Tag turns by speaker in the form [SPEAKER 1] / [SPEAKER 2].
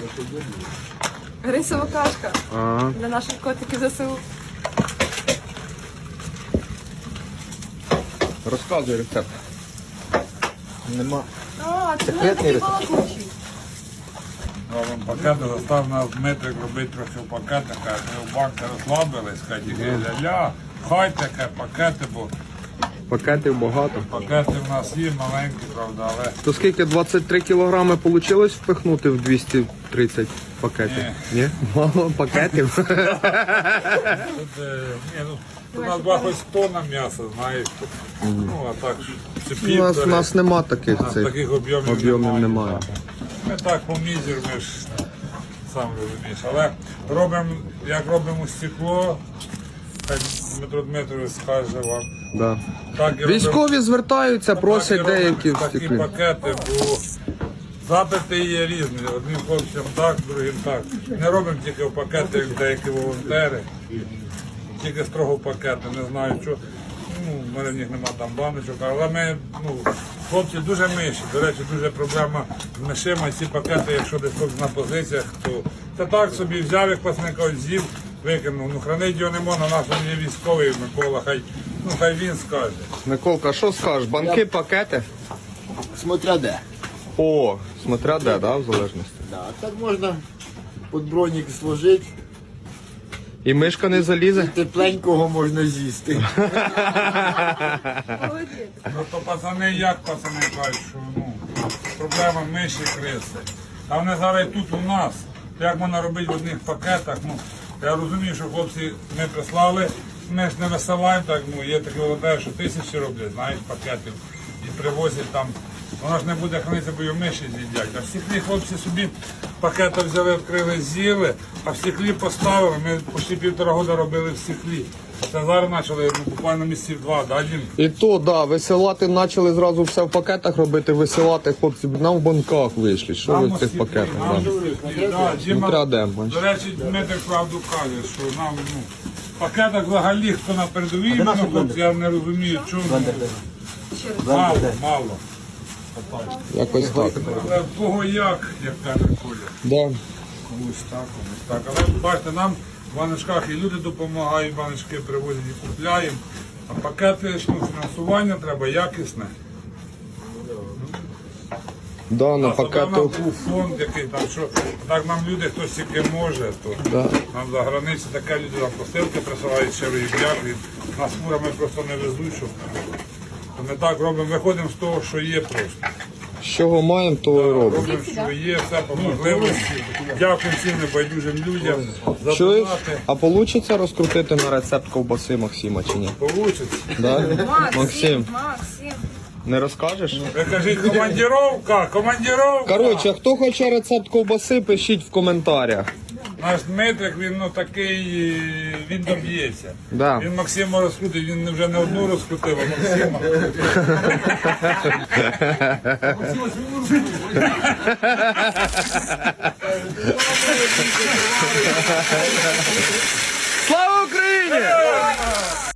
[SPEAKER 1] Рисова кашка
[SPEAKER 2] Ага.
[SPEAKER 1] для наших котиків ЗСУ.
[SPEAKER 2] Розказуй рецепт. Нема.
[SPEAKER 1] А, це
[SPEAKER 2] Секретний
[SPEAKER 1] такий
[SPEAKER 2] рецепт.
[SPEAKER 1] балакучий.
[SPEAKER 3] Робимо пакети, застав нас Дмитрик робити трохи в пакетах, каже, ми в банки розслабились, хай тільки ля-ля, хай таке пакети, бо
[SPEAKER 2] Пакетів багато.
[SPEAKER 3] пакети в нас є маленькі, правда, але
[SPEAKER 2] То скільки 23 кілограми вийшло впихнути в 230 пакетів? Ні? Мало пакетів.
[SPEAKER 3] тут, у нас була хоч тонна м'яса, знаєш, ну а так, чи
[SPEAKER 2] У
[SPEAKER 3] півтори.
[SPEAKER 2] нас нема таких
[SPEAKER 3] У нас
[SPEAKER 2] цих.
[SPEAKER 3] таких об'ємів
[SPEAKER 2] об'ємів немає.
[SPEAKER 3] Ми так по мізер, ми ж сам розумієш. Але робимо, як робимо стекло, так Дмитро Дмитрович скаже вам.
[SPEAKER 2] Да.
[SPEAKER 3] Так і робимо-
[SPEAKER 2] Військові звертаються, просять
[SPEAKER 3] так і робимо
[SPEAKER 2] деякі
[SPEAKER 3] такі
[SPEAKER 2] стекли.
[SPEAKER 3] пакети, бо запити є різні. Одним хлопцям так, другим так. Не робимо тільки в пакети, як деякі волонтери. Тільки строго в пакети, не знаю що. Ну, в мене в них нема там баночок, але ми, хлопці дуже миші. До речі, дуже проблема з мишима. Ці пакети, якщо десь хтось на позиціях, то це так собі взяв, як пасника з'їв, викинув. Ну, хранить його не можна, наш він є військовий Микола, хай він скаже.
[SPEAKER 2] Миколка, що скажеш? Банки, пакети?
[SPEAKER 4] Смотря де.
[SPEAKER 2] О, смотря де, да, в залежності.
[SPEAKER 4] Да, так можна під бронік сложити,
[SPEAKER 2] І мишка не залізе?
[SPEAKER 4] тепленького можна з'їсти.
[SPEAKER 1] Молодець.
[SPEAKER 3] Просто пацани, як пацани кажуть, що проблема миші, криси. А вони зараз і тут у нас. Як можна робити в одних пакетах? Я розумію, що хлопці ми прислали, ми ж не висилаємо так, є такі волонтери, що тисячі роблять, знаєш, пакетів і привозять там. Воно ж не буде хранитися, бо його миші з'їдять. А в стеклі хлопці собі пакети взяли, відкрили, з'їли, а в стеклі поставили. Ми почти 1,5 року робили в стеклі. Це зараз почали буквально місяців 2, да, Дім?
[SPEAKER 2] І то, да, висилати почали зразу все в пакетах робити, висилати, хлопці, нам в банках вийшли. Що ви в цих пакетах? Да. Смотря де, бачиш.
[SPEAKER 3] До речі, Дмитрик правду каже, що нам в пакетах взагалі, хто на передовій, хлопці, я не розумію, чому. Мало.
[SPEAKER 2] Якось так.
[SPEAKER 3] Але в кого як каже Коля.
[SPEAKER 2] Да.
[SPEAKER 3] Комусь так, комусь так. Але бачите, нам в баночках і люди допомагають, баночки привозять і купляємо. А пакети, фінансування треба якісне.
[SPEAKER 2] Да, на
[SPEAKER 3] А тоді в нас
[SPEAKER 2] пакету.
[SPEAKER 3] був фонд, який там, що так нам люди, хтось тільки може, то
[SPEAKER 2] Да.
[SPEAKER 3] нам за границі таке люди нам посилки присилають щирої дяки. Нас фурами просто не везуть, щоб. То ми так робимо, виходимо з того, що є просто.
[SPEAKER 2] З чого маємо, то і робимо.
[SPEAKER 3] Робимо, що є, все по можливості. Дякую всім небайдужим людям за
[SPEAKER 2] Чуєш?
[SPEAKER 3] донати.
[SPEAKER 2] А вийде розкрутити на рецепт ковбаси Максима чи ні?
[SPEAKER 3] Получиться.
[SPEAKER 2] Да? Максим,
[SPEAKER 1] Максим.
[SPEAKER 2] не розкажеш?
[SPEAKER 3] Ви кажіть, командіровка.
[SPEAKER 2] Коротше, хто хоче рецепт ковбаси, пишіть в коментарях.
[SPEAKER 3] Наш Дмитрик, він такий, він доб'ється.
[SPEAKER 2] Да.
[SPEAKER 3] Він Максима розкрутив, він вже не одну розкрутив, а Максима.
[SPEAKER 2] Слава Україні!